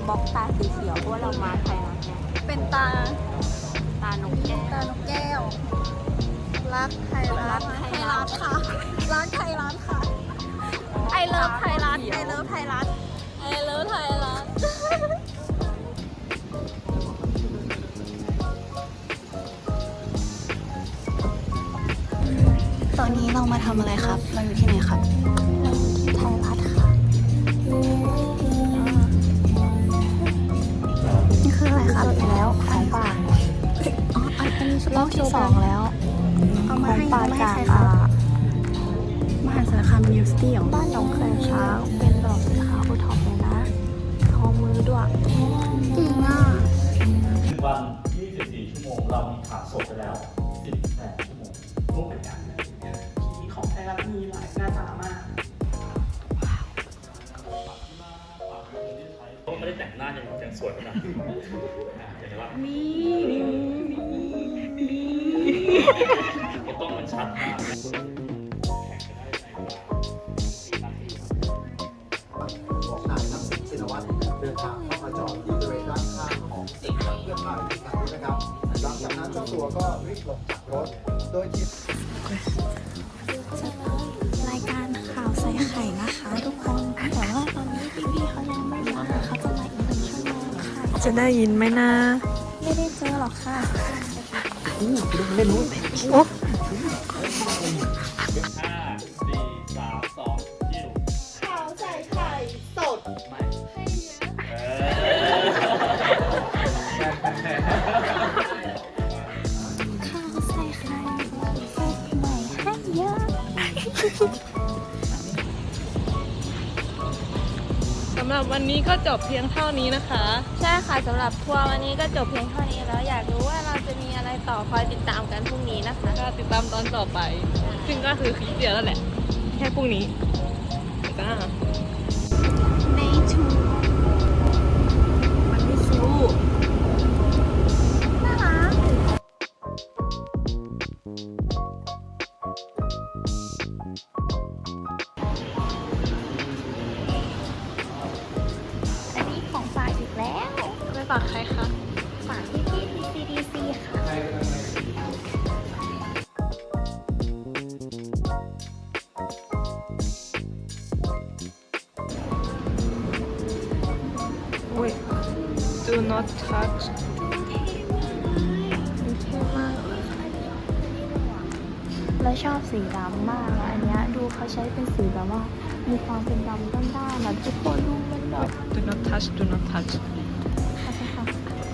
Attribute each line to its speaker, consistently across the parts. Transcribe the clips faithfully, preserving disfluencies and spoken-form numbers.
Speaker 1: บล็อกตาสีเขียวเพราะว่าเรามาไทยรัฐเนี่ย
Speaker 2: เป็นตา
Speaker 1: ตานกแก้ว
Speaker 2: ตานกแก้ว รักไทยรัฐ
Speaker 1: รักไท
Speaker 2: ไท
Speaker 1: ย
Speaker 2: ย
Speaker 1: รั
Speaker 2: รั
Speaker 1: ฐ
Speaker 2: ฐค่ะ รักไทยรัฐค่ะ ไอเลิฟไทยรัฐ ไอเลิฟไทยรัฐ
Speaker 1: ไอเลิฟไทยรัฐ
Speaker 2: ตอนนี้เรามาทำอะไรครับ เราอยู่ที่ไหนครับไทยรัฐค่ะ นี่คืออะไรครับแล้วของป่าอ๋ออันนี้รอบที่สองแล้ว เอามาให้ป่าจากอ่ามหาสารคามมิวสิตี้ของบ้านหนองแคช้างเป็นดอกสีขาวโอท็อปเลยนะทอมือด้วยจริงอ่ะ
Speaker 3: หนึ่งวันยี่สิบสี่ชั่วโมงเรามีขาดศพไปแล้วสิบแปดชั่วโมง
Speaker 4: รูปเหมือนกันเลยผีของไทยรัฐมีหลายหน้าตามาก
Speaker 3: เขาไม่ได้แต่งหน้ายังยังสวยขนาดนี้เห็นไหมว่า
Speaker 4: มี
Speaker 3: ก็ต้องมันชัดมาก
Speaker 5: ของนายทักษิณชินวัตรเดินทางเข้ามาจอดที่บริเวณด้านข้างของสิ่งเพื่อพายในครั้งนี้นะครับหลังจากนั้นเจ้าตัวก็รีบลงจากรถโดยที่
Speaker 2: รายการข่าวใส่ไข่นะคะทุกคนแต่ว่าตอนนี้พี่ๆเขายังไม่มาเขาจะมาอีกหนึ่งชั่วโมงค่ะ
Speaker 6: จะได้ยินไหมนะ
Speaker 2: ไม่ได้เจอหรอกค่ะ
Speaker 3: ห้าสี่สามสองยิ้ม
Speaker 4: ข่าวใส่ไข่สด
Speaker 3: ไม่เออ
Speaker 2: ข้าวใส่ไข่สดใหม่ให้เยอะ
Speaker 6: สำหรับวันนี้ก็จบเพียงเท่านี้นะคะ
Speaker 1: ใช่ค่ะสำหรับทัวร์วันนี้ก็จบเพียงเท่านี้แล้วอยากรู้ว่าเราจะมีอะไรต่อคอยติดตามกันพรุ่งนี้นะคะ
Speaker 6: ก็ติดตามตอนต่อไป ซึ่งก็คือคลิปเดียวแล้วแหละ แค่พรุ่งนี้จ้า
Speaker 2: ไม่ถูก
Speaker 6: มันไม่คิว
Speaker 2: น่ารักอันนี้ของฝากอีกแล้ว
Speaker 6: ไปฝากใครคะ
Speaker 2: ฝากพี่พี่ทีซีดีซีค่ะ
Speaker 6: อุ้ย do not touch เท่มากเลย
Speaker 2: แล้วชอบสีดำมากอะอันเนี้ยดูเขาใช้เป็นสีแบบว่า มีความเป็นดำด้านๆนะทุกคนดูมันแบบ
Speaker 6: do not touch do not touch
Speaker 2: โอเคค่ะ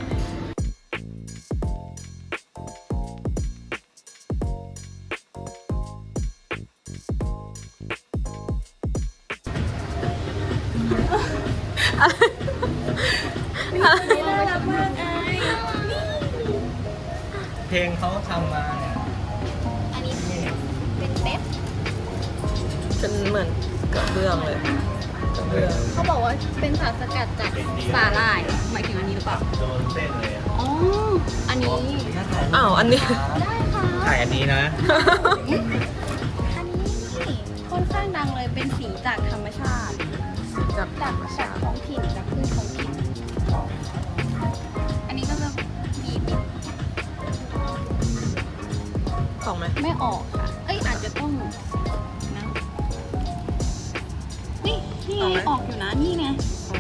Speaker 5: เพลงเขาทำมาเนี่ย
Speaker 2: อันนี้เป็นเป๊ป
Speaker 6: เป็นเหมือนกระเบื้องเลยกระเบื้อง
Speaker 2: เขาบอกว่าเป็นสารสกัดจากสาหร่ายหมายถึงอันนี้หรือเปล่า
Speaker 3: โดนเส้นเลยอะ
Speaker 2: อ๋อ อันนี้
Speaker 6: อ้าว อันนี้
Speaker 2: ได้ค่ะ
Speaker 5: ถ่ายอันนี้นะ
Speaker 2: อันนี้ค่อนข้างดังเลยเป็นสีจากธรรมชาติ
Speaker 6: จากธร
Speaker 2: จาก
Speaker 6: รม
Speaker 2: จาก
Speaker 6: ชาติ
Speaker 2: ท้องถิ่นจากพืชท้องถิ่น อันนี้ก็จะบีบ
Speaker 6: ของไหม
Speaker 2: ไม่ออกค่ะ เอ้ยอาจจะต้องนะนี่นี่ไงออกอยู่นะนี่ไง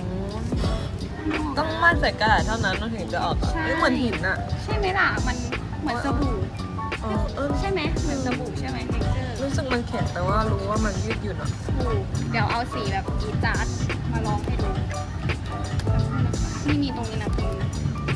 Speaker 6: ต้องมั่นใส่กระดาษเท่านั้นมันถึงจะออกอะ
Speaker 2: ใช่
Speaker 6: เอ้ยเหมือนหินอะ
Speaker 2: ใช่ไหมล่ะ มันเหมือนสบู่
Speaker 6: อ๋อเออ
Speaker 2: ใช่ไหมเหมือนสบู่ใช่ไหมเท็กเจอร์
Speaker 6: รู้สึกมันแข็งแต่ว่ารู้ว่ามันยืดหยุ่นอะ
Speaker 2: ถูกเดี๋ยวเอาสีแบบอีจาร์ดมาลองให้ดูนี่มีตรงนี้นะตรงนี้นะ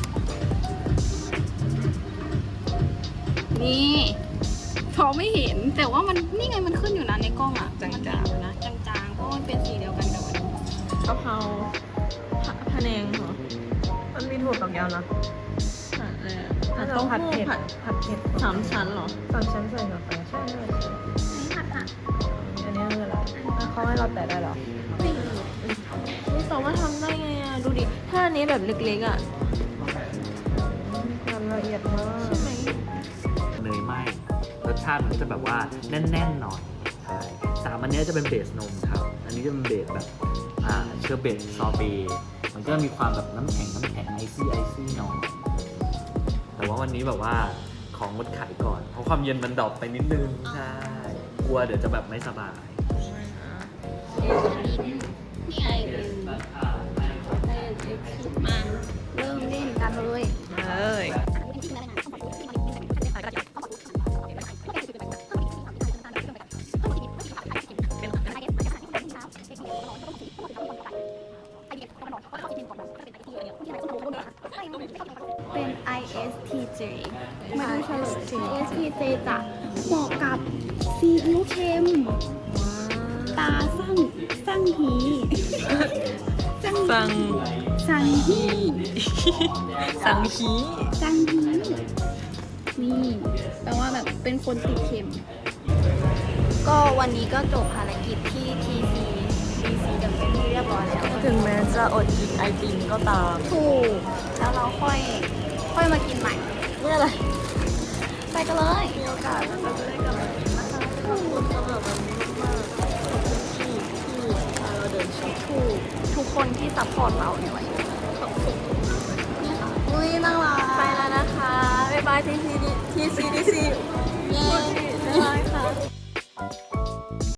Speaker 2: นี่พอไม่เห็นแต่ว่ามันนี่ไงมันขึ้นอยู่นะในกล้องอ่ะ
Speaker 6: จาง
Speaker 2: มัน
Speaker 6: ๆ
Speaker 2: เห็นอยู่นะจางๆเพราะมันเป็นสีเดียวกันกับอันนี้
Speaker 6: กะเพราผัดพะแนงเหรอ มันมีถั่วฝักยาวนะ
Speaker 2: ผัดเลย
Speaker 6: ผัดต้มผัดเผ็ดผัดเผ็ด
Speaker 2: สามชั้นเหรอ
Speaker 6: สามชั้นใส่กาแฟใช่ใช่ใช่
Speaker 2: นี่ผัดผัด
Speaker 6: อันนี้คืออะไรแล้วเขาให้เราแตะได้เหรอ
Speaker 2: ไม่รู้
Speaker 6: นี่สามารถทำได้ไงอ่ะ ดูดิ ถ้าอันนี้แบบเล็กๆอ่ะทำละเอียดมากใช่ไหม
Speaker 7: เนยไหมรสชาติมันจะแบบว่าแน่นๆหน่อยใช่สามอันเนี้ยจะเป็นเบสนมครับ อันนี้จะเป็นเบสแบบอ่าเชอร์เบตซอร์เบต์มันก็มีความแบบน้ำแข็งน้ำแข็งไอซี่ไอซี่หน่อยแต่ว่าวันนี้แบบว่าของงดขายก่อน เพราะความเย็นมันดรอปไปนิดนึง ใช่ กลัวเดี๋ยวจะแบบไม่สบาย
Speaker 2: นี่ไงมาเริ่มเล่นกันเลย
Speaker 6: เอ้ย
Speaker 2: เป็น ไอ เอส ที เจ ไม่ต้องเฉลย ไอ เอส ที เจ จะเหมาะกับซีอิ๊วเค็ม ตาสั่งสั่งหีสั่ง
Speaker 6: สั่ง
Speaker 2: สั่งฮี
Speaker 6: สั่งฮี
Speaker 2: สั่งฮีนี่แปลว่าแบบเป็นคนติดเค็ม ก็วันนี้ก็จบภารกิจที่ ที ซี ที ซี กันเป็นที่เรียบร้อยแล้ว
Speaker 6: ถึงแม้จะอดกินไอติมก็ตาม
Speaker 2: ถูกแล้วเราค่อยค่อยมากินใหม่
Speaker 6: เมื่อไหร่
Speaker 2: ไปกันเลย
Speaker 6: มีโอกาสเราจะได้กลับมากินนะคะขอบคุณสำหรับวันนี้มากๆขอบคุณที่ที่พาเราเดินช็อป
Speaker 2: ถูกทุกคนที่ซัพพอร์ตเราในวันนี้
Speaker 6: ขอบคุณ
Speaker 2: อุ้ยน่ารัก
Speaker 6: ไปแล้วนะคะ บ๊ายบายทีซีดีทีซีดีซี
Speaker 2: เย้
Speaker 6: บ๊ายบายค่ะ